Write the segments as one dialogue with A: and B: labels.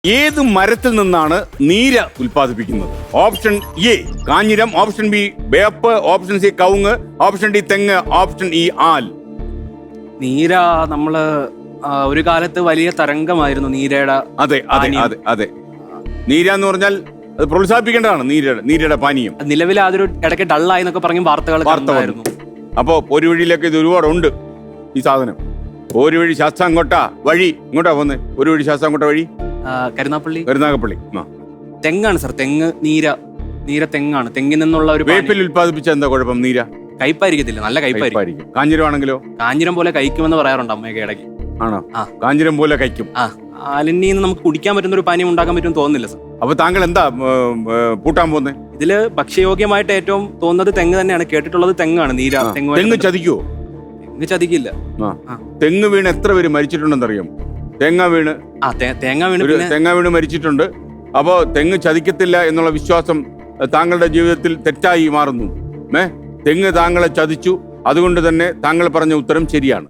A: ഏത് മരത്തിൽ നിന്നാണ് നീര ഉൽപ്പാദിപ്പിക്കുന്നത്? ഓപ്ഷൻ എ കാഞ്ഞിരം, ഓപ്ഷൻ ബി വേപ്പ്, ഓപ്ഷൻ സി കവുങ്ങ്, ഓപ്ഷൻ ഡി തെങ്ങ്, ഓപ്ഷൻ ഇ ആൽ.
B: നീര നമ്മള് ഒരു കാലത്ത് വലിയ തരംഗമായിരുന്നു നീരയുടെ.
A: അതെ അതെ അതെ അതെ. നീര എന്ന് പറഞ്ഞാൽ അത് പ്രോത്സാഹിപ്പിക്കേണ്ടതാണ്. നീരയുടെ പാനീയം.
B: നിലവിൽ അതൊരു ഇടയ്ക്ക് ഡള്ളായി എന്നൊക്കെ പറഞ്ഞു വാർത്തകളായിരുന്നു.
A: അപ്പോ ഒരു വഴിയിലൊക്കെ ഇത് ഒരുപാടുണ്ട് ഈ സാധനം. ഒരു വഴി ശാസ്താംകോട്ട വഴി ഇങ്ങോട്ടാ പോന്നെ. ഒരു വഴി ശാസ്താംകോട്ട വഴി കരുനാഗപ്പള്ളി.
B: തെങ്ങാണ് സാർ. തെങ്ങ് നീര തെങ്ങാണ്. തെങ്ങിൽ നിന്നുള്ള ഒരു
A: വേപ്പിൽ ഉൽപ്പാദിപ്പിച്ച എന്താ കുഴപ്പം? നീര
B: കയ്പായിരിക്കത്തില്ല, നല്ല കയ്പായിരിക്കും.
A: കാഞ്ഞിരം ആണെങ്കിലോ?
B: കാഞ്ഞിരം പോലെ കഴിക്കുമെന്ന് പറയാറുണ്ട് അമ്മയൊക്കെ ഇടയ്ക്ക്.
A: ആണോ? കാഞ്ഞിരം പോലെ കഴിക്കും.
B: ആലിനിന്ന് നമുക്ക് കുടിക്കാൻ പറ്റുന്ന ഒരു പാനീയം ഉണ്ടാക്കാൻ പറ്റും തോന്നുന്നില്ല സാർ.
A: അപ്പൊ താങ്കൾ എന്താ പൂട്ടാൻ പോകുന്നത്?
B: ഇതില് ഭക്ഷ്യയോഗ്യമായിട്ട് ഏറ്റവും തോന്നുന്നത് തെങ്ങ് തന്നെയാണ്. കേട്ടിട്ടുള്ളത് തെങ്ങാണ്. നീര
A: തെങ്ങ് ചതിക്കുവോ?
B: തെങ്ങ് ചതിക്കില്ല.
A: തെങ്ങ് വീണ് എത്ര പേര് മരിച്ചിട്ടുണ്ടെന്നറിയാം? തേങ്ങ വീണ് മരിച്ചിട്ടുണ്ട്. അപ്പോ തെങ്ങ് ചതിക്കത്തില്ല എന്നുള്ള വിശ്വാസം താങ്കളുടെ ജീവിതത്തിൽ തെറ്റായി മാറുന്നു. തെങ്ങ് താങ്കളെ ചതിച്ചു. അതുകൊണ്ട് തന്നെ താങ്കൾ പറഞ്ഞ ഉത്തരം ശരിയാണ്.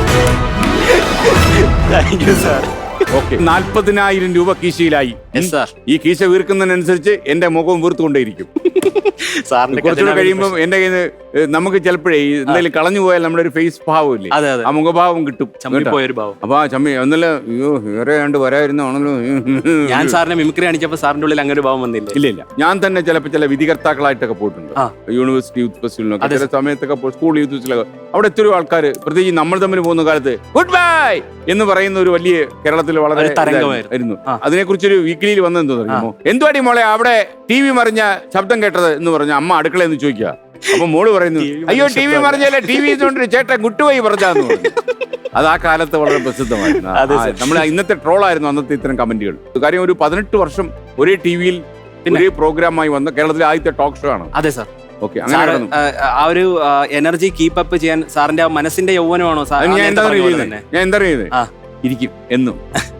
B: Thank you sir.
A: ഓക്കെ, 40,000 രൂപ കീശയിലായി. ഈ കീശ വീർക്കുന്നതിനനുസരിച്ച് എന്റെ മുഖം വീർത്തുകൊണ്ടേയിരിക്കും. കുറച്ചുകൂടെ കഴിയുമ്പോൾ എന്റെ കയ്യിൽ നിന്ന് നമുക്ക് ചിലപ്പോഴേ എന്തെങ്കിലും കളഞ്ഞു പോയാൽ നമ്മുടെ ഒരു ഫേസ് ഭാവം ഇല്ലേ, ആ മുഖഭാവം കിട്ടും. അപ്പൊ ആ ചമ്മി ഒന്നല്ല, അയ്യോ വേറെ കണ്ട് വരായിരുന്നാണല്ലോ.
B: ഞാൻ സാറിനെ മിമിക്രി കാണിച്ചപ്പോ സാറിന്റെ ഉള്ളിൽ അങ്ങനെ ഒരു ഭാവം വന്നില്ല?
A: ഇല്ല. ഞാൻ തന്നെ ചിലപ്പോൾ ചില വിധികർത്താക്കളായിട്ടൊക്കെ പോയിട്ടുണ്ട്. യൂണിവേഴ്സിറ്റി യൂത്ത് ഫെസ്റ്റിവലിനൊക്കെ ചില സമയത്തൊക്കെ സ്കൂൾ യൂത്ത് ഫെസ്റ്റിവലൊക്കെ അവിടെ എത്രയോ ആൾക്കാർ, പ്രത്യേകിച്ച് നമ്മൾ തമ്മിൽ പോകുന്ന കാലത്ത് ഗുഡ് ബൈ എന്ന് പറയുന്ന ഒരു വലിയ കേരളത്തിൽ വളരെ തരംഗമായിരുന്നു. അതിനെക്കുറിച്ചൊരു വീക്കിലിയിൽ വന്നെന്തോ അറിയുമോ? എന്തുവാടി മോളെ അവിടെ ടി വി മറിഞ്ഞ ശബ്ദം കേട്ടത് എന്ന് പറഞ്ഞ അമ്മ അടുക്കളയെന്ന് ചോദിക്കുക. അപ്പൊ മോള് പറയുന്നു, അയ്യോ ടി വി മറിഞ്ഞല്ലേ, ടി വി ചേട്ടൻ ഗുട്ടുപോയി പറഞ്ഞാന്ന് പറഞ്ഞു. അത് ആ കാലത്ത് വളരെ പ്രസിദ്ധമായിരുന്നു. നമ്മൾ ഇന്നത്തെ ട്രോളായിരുന്നു അന്നത്തെ ഇത്തരം കമന്റുകൾ. കാര്യം ഒരു 18 വർഷം ഒരേ ടി വിയിൽ ഒരേ പ്രോഗ്രാമായി വന്ന കേരളത്തിലെ ആദ്യത്തെ ടോക്ക് ഷോ ആണ്.
B: അതെ സാർ.
A: ഓക്കെ, അങ്ങനെ
B: ആ ഒരു എനർജി കീപ്പ് അപ്പ് ചെയ്യാൻ സാറിന്റെ മനസ്സിന്റെ യൗവനമാണോ സാർ?
A: ഞാൻ എന്താ പറയുന്നത്, ഇരിക്കും എന്നും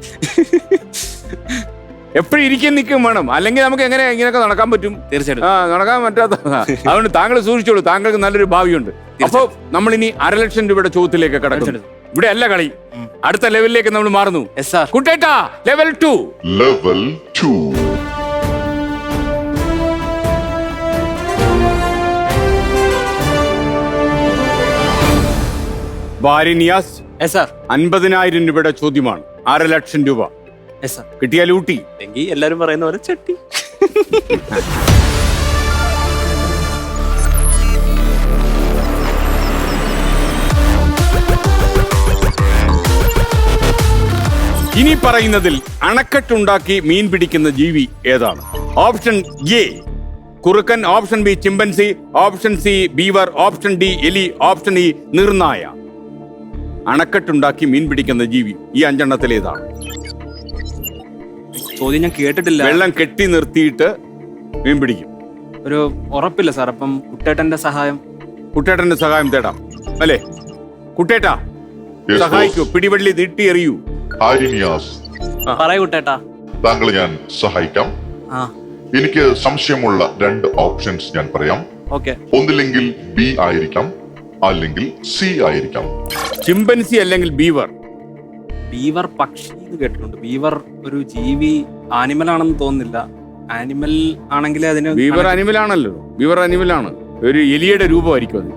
A: എപ്പോഴും ഇരിക്കാൻ നിൽക്കും വേണം. അല്ലെങ്കിൽ നമുക്ക് എങ്ങനെ ഇങ്ങനെയൊക്കെ നടക്കാൻ പറ്റും?
B: തീർച്ചയായിട്ടും
A: നടക്കാൻ പറ്റാത്ത. അതുകൊണ്ട് താങ്കൾ സൂക്ഷിച്ചോളൂ, താങ്കൾക്ക് നല്ലൊരു ഭാവിയുണ്ട്. അപ്പൊ നമ്മൾ ഇനി 1,00,000 രൂപയുടെ ചോദ്യത്തിലേക്ക് കടക്കും. ഇവിടെ അല്ല കളി, അടുത്ത ലെവലിലേക്ക് നമ്മൾ മാറുന്നു. കുട്ടേട്ടാ, ലെവൽ 2. ബാരിനിയാസ് 50,000 രൂപയുടെ ചോദ്യമാണ്. 1,00,000 രൂപ കിട്ടിയാൽ ഊട്ടി.
B: എല്ലാരും പറയുന്ന പോലെ ചട്ടി.
A: ഇനി പറയുന്നതിൽ അണക്കെട്ടുണ്ടാക്കി മീൻ പിടിക്കുന്ന ജീവി ഏതാണ്? ഓപ്ഷൻ എ കുറുക്കൻ, option B chimpanzee, option C beaver, option D എലി, ഓപ്ഷൻ ഇ നീർനായ. അണക്കെട്ടുണ്ടാക്കി മീൻ പിടിക്കുന്ന ജീവി ഈ 5 എണ്ണത്തിൽ ഏതാണ്?
B: ചോദ്യം ഞാൻ കേട്ടിട്ടില്ല.
A: വെള്ളം കെട്ടി നിർത്തിയിട്ട് മീൻ പിടിക്കും.
B: ഒരു ഉറപ്പില്ല സാർ. അപ്പം കുട്ടേട്ടന്റെ സഹായം
A: തേടാം അല്ലേ? കുട്ടേട്ടാ സഹായിക്കൂ, പിടിവള്ളി നീട്ടി എറിയൂ.
B: പറയൂ കുട്ടേട്ടാ.
C: താങ്കളെ ഞാൻ സഹായിക്കാം. എനിക്ക് സംശയമുള്ള 2 ഓപ്ഷൻസ് ഞാൻ പറയാം. ഒന്നില്ലെങ്കിൽ ബി ആയിരിക്കാം, അല്ലെങ്കിൽ സി ആയിരിക്കാം.
A: ചിമ്പൻസി അല്ലെങ്കിൽ ബീവർ.
B: ബീവർ പക്ഷി കേട്ടിട്ടുണ്ട്. ബീവർ ഒരു ജീവി, ആനിമൽ ആണെന്ന് തോന്നുന്നില്ല. ആനിമൽ ആണെങ്കിൽ അതിന്
A: ബീവർ അനിമൽ ആണല്ലോ. ബീവർ അനിമൽ ആണ്. ഒരു എലിയുടെ രൂപമായിരിക്കും അത്.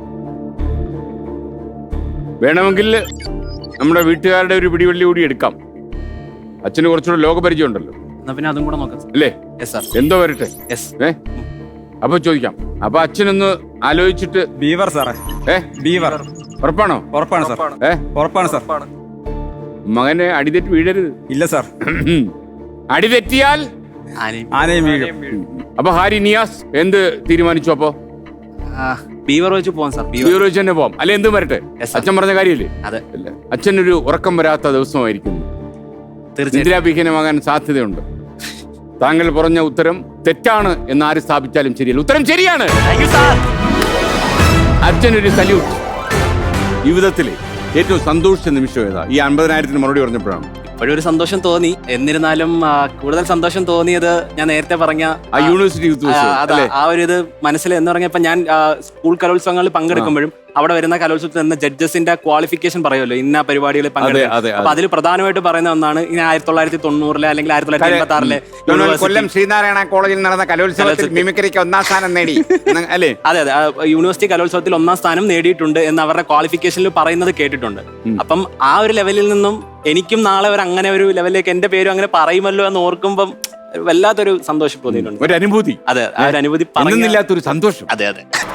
A: വേണമെങ്കിൽ നമ്മുടെ വീട്ടുകാരുടെ ഒരു പിടിവള്ളി കൂടി എടുക്കാം. അച്ഛന് കുറച്ചുകൂടെ ലോകപരിചയം ഉണ്ടല്ലോ.
B: പിന്നെ അതും കൂടെ നോക്കാം
A: അല്ലേ? എന്തോ വരട്ടെ. അപ്പൊ ചോദിക്കാം. അപ്പൊ അച്ഛനൊന്ന് ആലോചിച്ചിട്ട്.
D: ബീവർ സാറേ.
A: ബീവർ ഉറപ്പാണോ?
D: ഉറപ്പാണ് സാർ. ഉറപ്പാണ് സാർ.
A: മകനെ അടിതെറ്റി വീഴരുത്.
D: ഇല്ല സാർ.
A: അടിതെറ്റിയാൽ
D: ആനയും വീഴും.
A: അപ്പൊ ഹാരി നിയാസ് എന്ത് തീരുമാനിച്ചു? അപ്പൊ
B: ബീവർ വെച്ച് പോവാം സാർ.
A: ബീവർ വെച്ച് തന്നെ പോവാം അല്ലെ? എന്തും വരട്ടെ. അച്ഛൻ പറഞ്ഞ കാര്യമില്ലേ? അച്ഛനൊരു ഉറക്കം വരാത്ത ദിവസമായിരിക്കുന്നു. നിദ്രാവിഹീനമാകാൻ സാധ്യതയുണ്ട്. താങ്കൾ പറഞ്ഞ ഉത്തരം തെറ്റാണ് എന്ന് ആര് സ്ഥാപിച്ചാലും ശരിയല്ല. ഉത്തരം ശരിയാണ്. അച്ഛനൊരു സല്യൂട്ട്. ജീവിതത്തിലെ ഏറ്റവും സന്തോഷിച്ച നിമിഷം ഏതാ? ഈ 50,000 മറുപടി പറഞ്ഞപ്പോഴാണ്.
B: ഇപ്പോഴൊരു സന്തോഷം തോന്നി. എന്നിരുന്നാലും കൂടുതൽ സന്തോഷം തോന്നിയത് ഞാൻ നേരത്തെ പറഞ്ഞ
A: യൂണിവേഴ്സിറ്റി യൂത്ത്
B: ആ ഒരു ഇത് മനസ്സിൽ എന്ന് പറഞ്ഞപ്പോ ഞാൻ സ്കൂൾ കലോത്സവങ്ങളിൽ പങ്കെടുക്കുമ്പോഴും അവിടെ വരുന്ന കലോത്സവത്തിൽ വരുന്ന ജഡ്ജസിന്റെ ക്വാളിഫിക്കേഷൻ പറയുമല്ലോ ഇന്ന പരിപാടികളിൽ പങ്കെടുക്കുക. അപ്പൊ അതിൽ പ്രധാനമായിട്ട് പറയുന്ന ഒന്നാണ് ഇനി 1990 അല്ലെങ്കിൽ 1986
A: കൊല്ലം ശ്രീനാരായണ കോളേജിൽ നടന്ന കലോത്സവത്തിൽ മിമിക്രിക്ക് 1ാം സ്ഥാനം നേടി അല്ലേ?
B: അതെ യൂണിവേഴ്സിറ്റി കലോത്സവത്തിൽ 1ാം സ്ഥാനം നേടിയിട്ടുണ്ട് എന്ന് അവരുടെ ക്വാളിഫിക്കേഷനിൽ പറയുന്നത് കേട്ടിട്ടുണ്ട്. അപ്പം ആ ഒരു ലെവലിൽ നിന്നും എനിക്കും നാളെ അങ്ങനെ ഒരു ലെവലിലേക്ക് എന്റെ പേരും അങ്ങനെ പറയുമല്ലോ എന്ന് ഓർക്കുമ്പം വല്ലാത്തൊരു സന്തോഷം തോന്നിയിട്ടുണ്ട്.
A: ഒരു അനുഭൂതി.
B: അതെ, ആ ഒരു അനുഭൂതി
A: പറയുന്നില്ലാത്തൊരു സന്തോഷം.
B: അതെ.